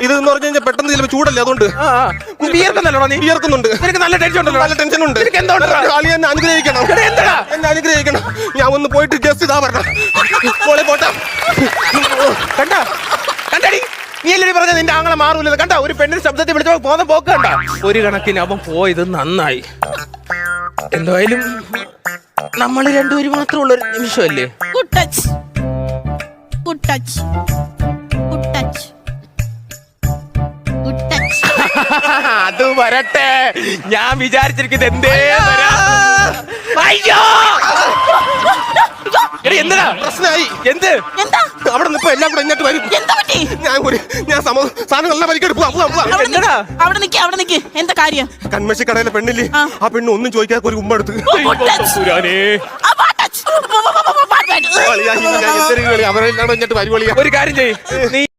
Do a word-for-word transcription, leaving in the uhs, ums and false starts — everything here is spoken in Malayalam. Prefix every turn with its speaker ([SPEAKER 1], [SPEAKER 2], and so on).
[SPEAKER 1] ഇത് എന്ന് പറഞ്ഞു കഴിഞ്ഞാൽ പെട്ടെന്ന് ചിലപ്പോൾ ചൂടല്ലേ അതുകൊണ്ട്
[SPEAKER 2] വിയർക്കുന്നല്ലോടാ നീ?
[SPEAKER 1] വിയർക്കുന്നുണ്ട്.
[SPEAKER 2] നിനക്ക് നല്ല ടെൻഷൻ ഉണ്ടല്ലോ.
[SPEAKER 1] നല്ല ടെൻഷൻ ഉണ്ട്.
[SPEAKER 2] നിനക്ക് എന്തുകൊണ്ടാ?
[SPEAKER 1] കളി എന്നെ അനുഗ്രഹിക്കണം.
[SPEAKER 2] എന്താ
[SPEAKER 1] എന്നെ അനുഗ്രഹിക്കണം. ഞാൻ ഒന്ന് പോയിട്ട് ജസ്റ്റ് ഇതാ പറഞ്ഞ മോളെ പോട്ടെ.
[SPEAKER 2] കണ്ട കണ്ടടി നീ എല്ലാവരും പറഞ്ഞ നിന്റെ ആങ്ങളെ മാറൂല. കണ്ട ഒരു പെണ്ണിന്റെ ശബ്ദത്തിൽ വിളിച്ചോ പോകുന്ന പോക്ക് കണ്ട. ഒരു കണക്കിന് അവൻ പോയത് നന്നായി. എന്തായാലും നമ്മൾ രണ്ടുപേരും മാത്രമുള്ള ഒരു നിമിഷമല്ലേ.
[SPEAKER 3] Good touch good touch good touch good touch.
[SPEAKER 2] അത് വരട്ടെ. ഞാൻ വിചാരിച്ചിരിക്കുന്നത് എന്തേ വരാ. അയ്യോ എടി എന്താ
[SPEAKER 1] പ്രശ്നമായി.
[SPEAKER 2] എന്ത്
[SPEAKER 3] എന്താ
[SPEAKER 1] അവിടെ നിന്ന് ഇപ്പൊ എല്ലാം കൂടെ ഇങ്ങോട്ട് വരും.
[SPEAKER 3] എന്താ പറ്റി?
[SPEAKER 1] ഞാൻ ഒരു ഞാൻ സമ സാധനം എല്ലാം വലിക്കെടുപ്പ്.
[SPEAKER 3] അവിടെ നിക്ക്, അവിടെ നിക്ക് അവിടെ നിക്ക്. എന്താ കാര്യം?
[SPEAKER 1] കൺമശി കടയിലെ പെണ്ണില്ലേ,
[SPEAKER 3] ആ.
[SPEAKER 1] ആ പെണ്ണ് ഒന്നും ചോദിക്കാതെ ഒരു ഉമ്മ എടുത്ത്. അവരെല്ലാം ഇങ്ങോട്ട് വരുവളിയാ.
[SPEAKER 2] ഒരു കാര്യം ചെയ്യ് നീ